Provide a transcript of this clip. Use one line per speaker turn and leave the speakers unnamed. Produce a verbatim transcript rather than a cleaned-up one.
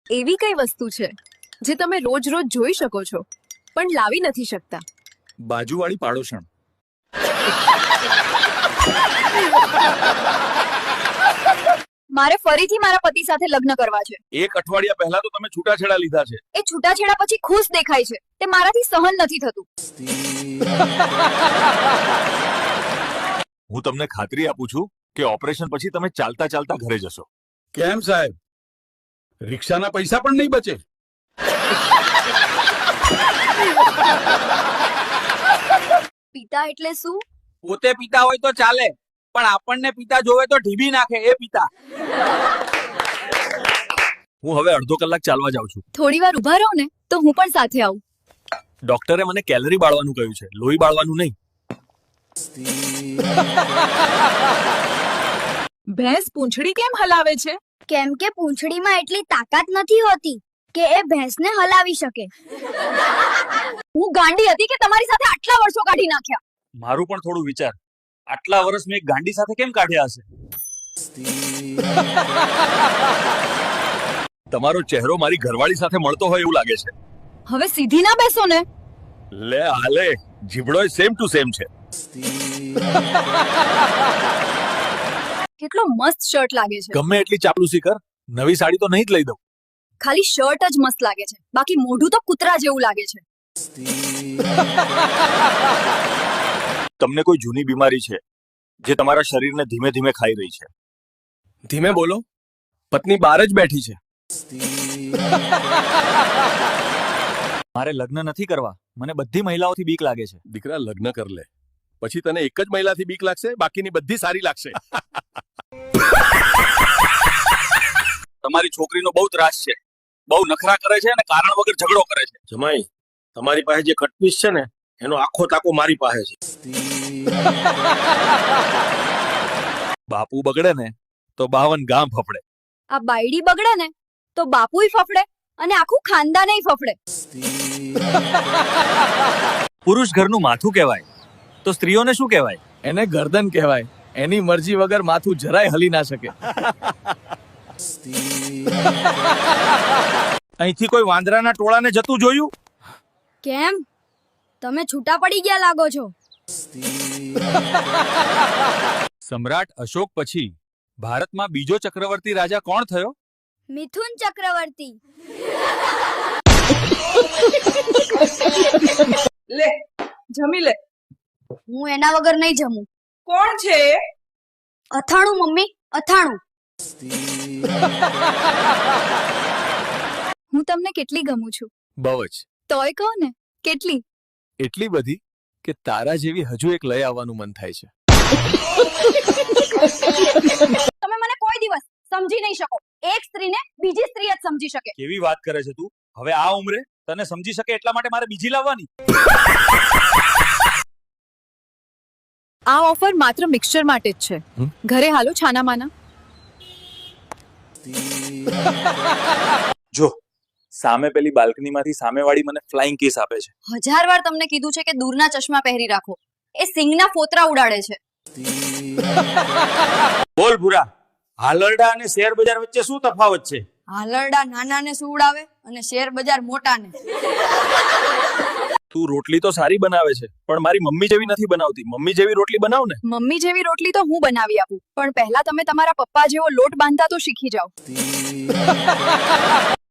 એવી કઈ વસ્તુ છે જે તમે રોજ રોજ જોઈ શકો છો પણ લાવી નથી શકતા?
બાજુવાળી પાડોશણ.
મારે ફરીથી મારા પતિ સાથે લગ્ન કરવા છે.
એક અઠવાડિયા પહેલા તો તમે છૂટાછેડા લીધા છે.
એ છૂટાછેડા પછી ખુશ દેખાય છે. તે મારાથી સહન નથી થતું.
હું તમને ખાતરી આપું છું કે ઓપરેશન પછી તમે ચાલતા ચાલતા ઘરે જશો.
કેમ સાહેબ, રિક્ષાના પૈસા પણ નહીં બચે?
પિતા એટલે શું?
પોતે પિતા હોય તો ચાલે, પણ આપણને પિતા જોવે તો ઢીબી નાખે એ પિતા.
હું હવે અડધો કલાક ચાલવા જાઉં છું.
થોડી વાર ઊભા રહો ને તો હું પણ સાથે આવું.
ડોક્ટરે મને કેલરી બાળવાનું કહ્યું છે, લોહી બાળવાનું નહીં.
ભેંસ પૂંછડી કેમ હલાવે છે?
કેમ કે પૂંછડીમાં એટલી તાકાત નથી હોતી કે એ ભેંસને હલાવી શકે.
હું ગાંડી હતી કે તમારી સાથે આટલા વર્ષો કાઢી નાખ્યા.
મારું પણ થોડું વિચાર. આટલા વર્ષ મેં એક ગાંડી સાથે કેમ કાઢ્યા હશે? તમારો ચહેરો મારી ઘરવાળી સાથે મળતો હોય એવું લાગે છે.
હવે સીધી ના બેસો ને.
લે હાલે, જીબડો સેમ ટુ સેમ છે.
કેટલો મસ્ત શર્ટ લાગે છે.
ગમે એટલી ચાપલુસી કર, નવી સાડી તો નહીં જ લઈ દઉં.
ખાલી શર્ટ જ મસ્ત લાગે છે, બાકી મોઢું તો કૂતરા જેવું લાગે છે.
તમને કોઈ જૂની બીમારી છે જે તમારા શરીરને ધીમે ધીમે ખાઈ રહી છે?
ધીમે બોલો, પત્ની બહાર જ બેઠી છે.
મારે લગ્ન નથી કરવા, મને બધી મહિલાઓથી બીક લાગે છે.
દીકરા, લગ્ન કર લે, પછી તને એક જ મહિલાથી બીક લાગશે, બાકીની બધી સારી લાગશે.
તમારી છોકરીનો બહુ ત્રાસ છે, બહુ નખરા કરે છે અને કારણ વગર ઝઘડો કરે છે.
જમાઈ, તમારી પાસે જે કટપીસ છે ને એનો આખો તાકો મારી પાસે છે.
બાપુ બગડે ને તો બાવન ગામ ફફડે.
આ બાયડી બગડે ને તો બાપુય ફફડે અને આખું ખાનદાનેય ફફડે.
પુરુષ ઘરનું માથું કહેવાય તો સ્ત્રીઓને શું કહેવાય?
એને ગરદન કહેવાય. એની મરજી વગર માથું જરાય હલી ના શકે. અહીંથી કોઈ વાંદરાના ટોળાને જતું જોયું?
કેમ, તમે છૂટા પડી ગયા લાગો છો.
સમ્રાટ અશોક પછી ભારતમાં બીજો ચક્રવર્તી રાજા કોણ થયો?
મિથુન ચક્રવર્તી.
લે જમી લે.
હું એના વગર નહીં જમું.
કોણ છે?
અથાણું મમ્મી, અથાણું.
હું તમને કેટલી ગમું છું?
બહુ જ.
તોય કહો ને, કેટલી?
એટલી બધી કે તારા જેવી હજુ એક લઈ આવવાનું મન થાય છે.
તમે મને કોઈ દિવસ સમજી નહીં શકો. એક સ્ત્રીને બીજી સ્ત્રી જ સમજી શકે.
કેવી વાત કરે છે તું? હવે આ ઉંમરે તને સમજી શકે એટલા માટે મારે બીજી લાવવાની?
આ ઓફર માત્ર મિક્સચર માટે જ છે. ઘરે હાલો છાના માના.
જો સામે પેલી બાલ્કનીમાંથી સામેવાળી મને ફ્લાઇંગ કિસ આપે છે.
હજાર વાર તમને કીધું છે કે દૂરના ચશ્મા પહેરી રાખો. એ સિંગના ફોતરા ઉડાડે છે.
બોલ ભૂરા, હાલરડા અને શેર બજાર વચ્ચે શું તફાવત છે?
હાલરડા નાનાને સુવડાવે અને શેર બજાર મોટાને.
તું રોટલી તો સારી બનાવે છે પણ મારી મમ્મી જેવી નથી બનાવતી. મમ્મી જેવી રોટલી બનાવ ને.
મમ્મી જેવી રોટલી તો હું બનાવી આપું, પણ પહેલા તમે તમારા પપ્પા જેવો લોટ બાંધતા તો શીખી જાઓ.